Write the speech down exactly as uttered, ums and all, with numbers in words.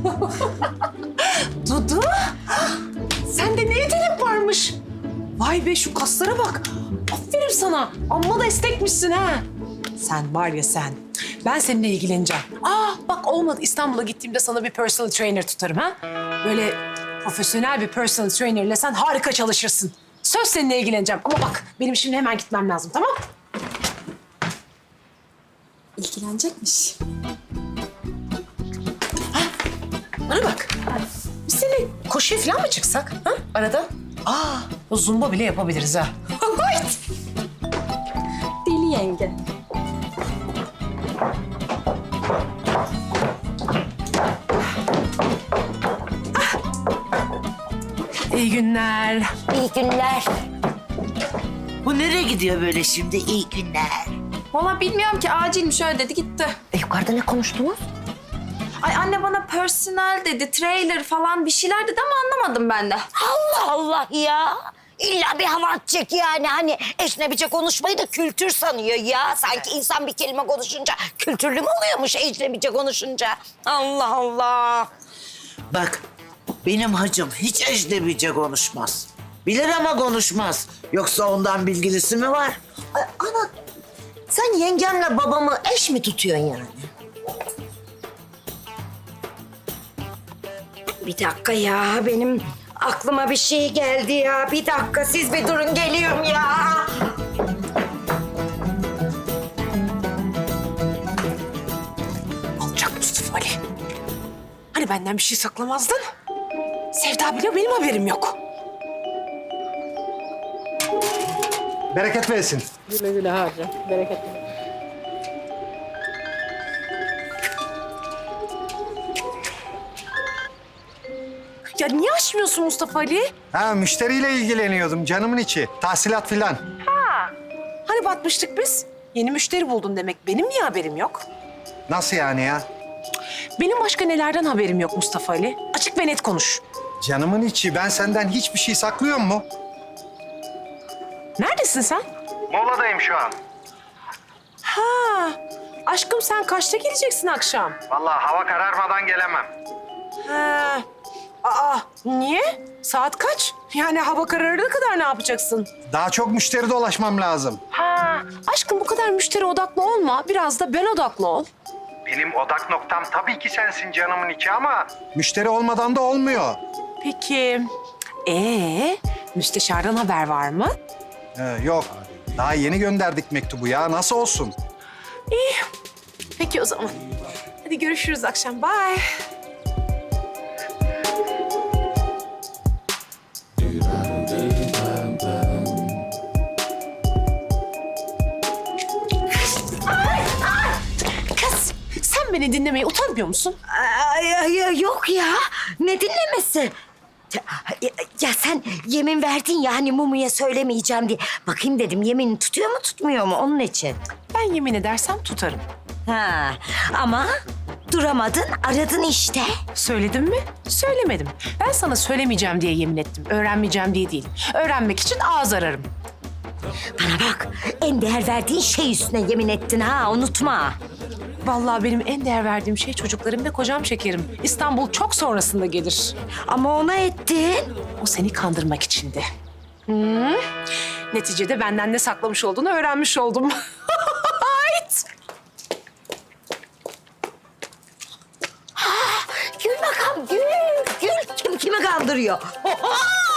Dudu, sende ne yetenek varmış? Vay be şu kaslara bak. Aferin sana. Amma da esnekmişsin ha. Sen var ya sen. Ben seninle ilgileneceğim. Aa bak olmadı. İstanbul'a gittiğimde sana bir personal trainer tutarım ha. Böyle profesyonel bir personal trainerle sen harika çalışırsın. Söz seninle ilgileneceğim. Ama bak benim şimdi hemen gitmem lazım, tamam? İlgilenecekmiş. Bana bak. Biz seninle koşuya falan mı çıksak ha arada? Aa, o zumba bile yapabiliriz ha. Deli yenge. İyi günler. İyi günler. Bu nereye gidiyor böyle şimdi? İyi günler. Vallahi bilmiyorum ki acilmiş öyle dedi gitti. E, yukarıda ne konuştunuz? Ay anne bana personel dedi, trailer falan bir şeyler dedi ama anlamadım ben de. Allah Allah ya. İlla bir hava atacak yani. Hani ecnebice konuşmayı da kültür sanıyor ya. Sanki insan bir kelime konuşunca kültürlü mü oluyormuş ecnebice konuşunca? Allah Allah. Bak, benim hacım hiç ecnebice konuşmaz. Bilir ama konuşmaz. Yoksa ondan bilgilisi mi var? Ay, ana sen yengemle babamı eş mi tutuyorsun yani? Bir dakika ya benim aklıma bir şey geldi ya. Bir dakika siz bir durun geliyorum ya. Alçak Mustafa Ali. Hani benden bir şey saklamazdın? Sevda biliyor, benim haberim yok. Bereket versin. Güle güle harca, bereket. Ya niye açmıyorsun Mustafa Ali? Ha müşteriyle ilgileniyordum canımın içi. Tahsilat filan. Hani batmıştık biz? Yeni müşteri buldun demek. Benim niye haberim yok? Nasıl yani ya? Benim başka nelerden haberim yok Mustafa Ali? Açık ve net konuş. Canımın içi ben senden hiçbir şey saklıyorum mu? Neredesin sen? Moladayım şu an. Ha, aşkım sen kaçta geleceksin akşam? Vallahi hava kararmadan gelemem. Ha, aa, niye? Saat kaç? Yani hava kararına kadar ne yapacaksın? Daha çok müşteri dolaşmam lazım. Ha, aşkım bu kadar müşteri odaklı olma. Biraz da ben odaklı ol. Benim odak noktam tabii ki sensin canımın içi ama... Müşteri olmadan da olmuyor. Peki, ee, müsteşardan haber var mı? Ee, yok. Daha yeni gönderdik mektubu ya. Nasıl olsun? İyi. Peki o zaman. Hadi görüşürüz akşam. Bye. Kız, sen beni dinlemeye utanmıyor musun? Ay, ay, ay, yok ya. Ne dinlemesi? Ya, ya sen yemin verdin ya hani Mumu'ya söylemeyeceğim diye. Bakayım dedim yemin tutuyor mu tutmuyor mu onun için. Ben yemin edersem tutarım. Ha ama duramadın aradın işte. Söyledim mi? Söylemedim. Ben sana söylemeyeceğim diye yemin ettim. Öğrenmeyeceğim diye değil. Öğrenmek için ağız ararım. Bana bak en değer verdiğin şey üstüne yemin ettin ha unutma. Vallahi benim en değer verdiğim şey çocuklarım ve kocam şekerim. İstanbul çok sonrasında gelir. Ama ona ettin. O seni kandırmak içindi. Hmm. Neticede benden ne saklamış olduğunu öğrenmiş oldum. Ait. Gül bakalım gül. Gül kim kimi kandırıyor? Oha!